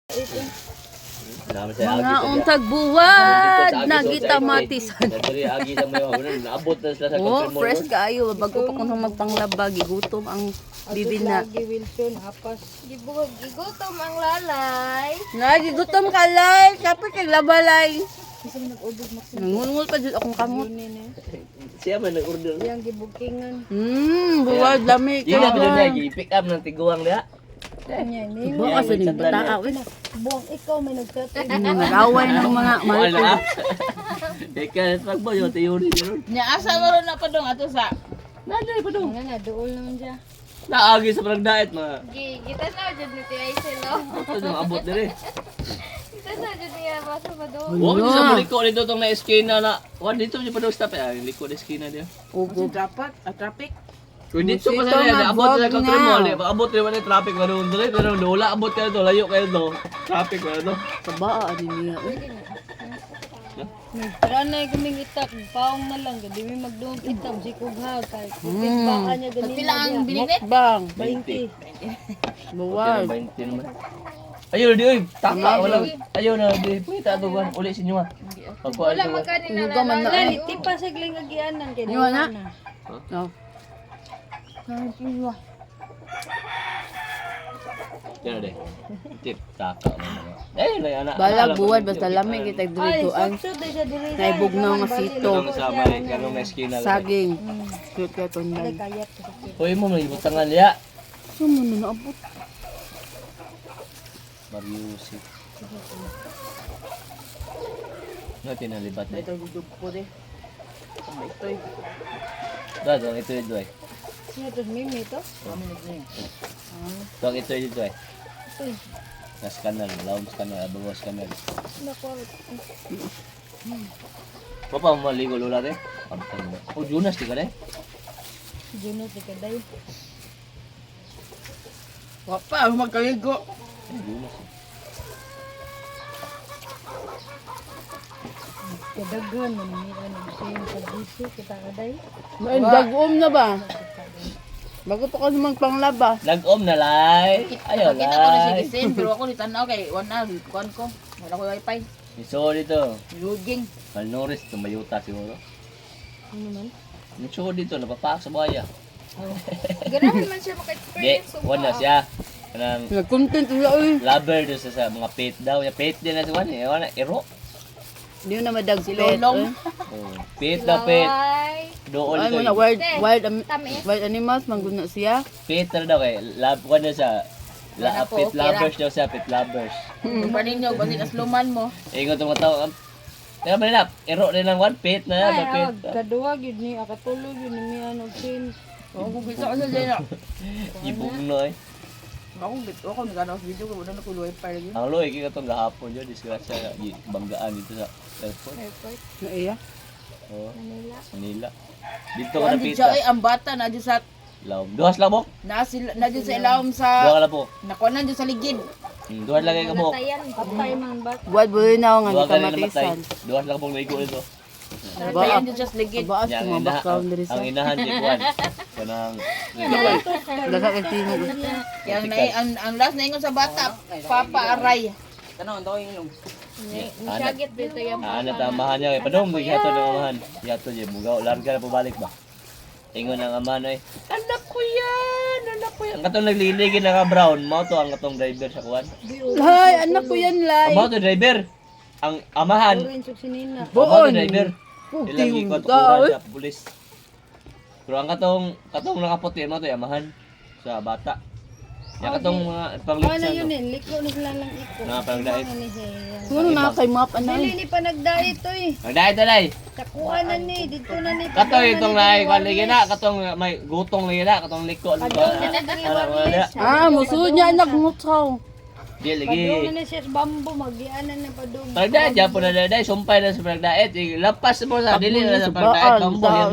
Mga untag buwad nagita matisan. Dari agi sa mga naabot na sila sa Oh, confirm fresh kaayo bago pa kuno magpanglaba gigutom ang bibi na. Lagi Wilson apas. Gigutom ang lalay. Nagigutom ka lay, kapit kay labalay. Nangungul pa jud akong kamot. Siya man nag-order. Yang gibukingan. Buwad lami Di na ka. pinag i-pick up ng tiguang diha. Kanya ni. Bukas sa ning bataa wala. Buang ikaw may nagtatay. Nag-away ng mga Wala malto. na. Eka, pagbo yo teori gano'n. Nya asa mo ron na pa dong ato sa Nada pa dong. Nga na duol naman siya. Naagi sa parang diet mga. Kita na dyan ni Tia Aisel, no? Ito yung abot dire. Kita na dyan niya, basa pa doon. Wa mo sa liko dito tong na eskina na. Wa dito di pa daw stop eh. Liko na eskina dia. Ugo. traffic. Kung dito pa Ito sa nga, abot na vlog ka nga. mall, abot rin man yung traffic ganoon dire pero wala abot kayo to, layo kayo to. Traffic wala to. Sabaa din niya. Tara na kaming itak, paong na lang gadi mi magduong itak si kugha kay kupit baka niya ganina. Pila ang bininit? Bang. 20. Buwad. 20 naman. Ayun di oy, taka wala. Ayun na di puita to kan uli sa inyo ah. Pagkuan Wala to. magkanin na Ugo man na. Lali tipa sa gling agianan kay Iwan na. na. No. Yan na de. Tip taka man. Eh na ana. Balag buwad basta lami kita Ay, dirigoan. sakto day siya diri. Naibugnaw nga sito. Kanong sa may kanong na eskina. Saging. Cute ka Ay tunay. kayat ko sa kit. Hoy mo may butangan ya. Sumo na naabot. Mariusip. No tinalibat na. Ito gudug po de. Ito eh. Dad, ito ito eh. Siya to mimi to. Dog ito ito eh. Uy, Nas kanal, laom kanal, abos kanal. nako. Papa mo maligo lula de. Pantang mo. Oh, Jonas di ka de. Juno ti kaday. Wa pa magkaligo. Jonas. Kadaghan man ni ano siya sa giso kita kaday. May dagom na ba? Bago pa kasi magpanglaba. Nag-om na lay. Ayo Kita ko na si lay. Gisin pero ako ni tanaw kay wala kuan ko. Wala ko wifi. Iso dito. Luging. Malnoris tumayuta siguro. Ano man? Nicho dito napapak sa buhaya. Ganahan man siya Di, maka-experience. wala siya. Kanang Nag-content wala oy. lover do sa mga pet daw. Ya pet din na si Juan eh. Wala ero. Di na madag Si pet. Lolong. Oh, pet na pet. Ay, Doon Ay mo dito. na tamis. wild animals mangguna siya. Pet na daw kay love ko na sa Wala po, pet okay lovers daw siya, pet lovers. Kung pa ninyo basi kasluman mo. Ingon tong tao. Teka ba nila? Ero rin lang one pet na yan, Ay, pet. kaduwa gyud ni akatulog yun ni ano sin. Oo kung bisa ko sa dyan. Ibong no eh. Ako nagano sa video ko wala na ko wifi lagi. Ang loy kaya itong gahapon yun, disgrasya, banggaan dito sa airport. Na iya. Oh, Manila. Manila. Dito ka Kuan napita. di siya ay ang bata na dyan sa Laom. Duhas lang mo? na dyan sa ilawom Duha sa ka lang po. nakuha na dyan sa ligid. Duhas lang kayo mo. Tayan. Patay man ba? Buwad buhay na ako nga Duha di ka lang namatay. kamatisan. Duhas lang pong naigo nito. Nagtayan dyan sa ligid. Baas Yang ko mga background diri sa. ang inahan di kuan. Kanang Daga kay tingog. Kaya ang last na ingon sa bata, Papa Aray. Tanong, daw yung ilong. Nisyagit dito yung ano tamahan niya kay padong may hato ng amahan. Yato je mugaw larga na pabalik ba. Ingon ang amahan ay, anak ko yan, anak ko yan. Katong nagliligin na ka brown, mao to ang katong driver sa kuan. Hay, anak ko yan lay. Mao to driver. Ang amahan, Orange ug sinina. mao to Buon. driver. Puti Ilang yung ikot tao, sa pulis. Pero ang katong nakaputi mo to yung amahan sa bata. Ya katong mga Ano panglitsan yun to. eh, liko na sila lang iko. Na pangdait. Ano ni Heyan. Siguro na kay map Dili anay. ni pa nagdait to eh. Pangdait talay. Takuan na ni, dito na ni. Katong itong lahi kwan lagi na, katong may gutong lagi na, katong liko. Ah, musuod niya anak ngutsaw. Di lagi. Padung na ni siya sa bambo, magianan na padung. Pagdait, dyan po na daday, sumpay na sa pagdait. Lapas mo sa dili na sa pagdait. Sabaan, Kampo, yan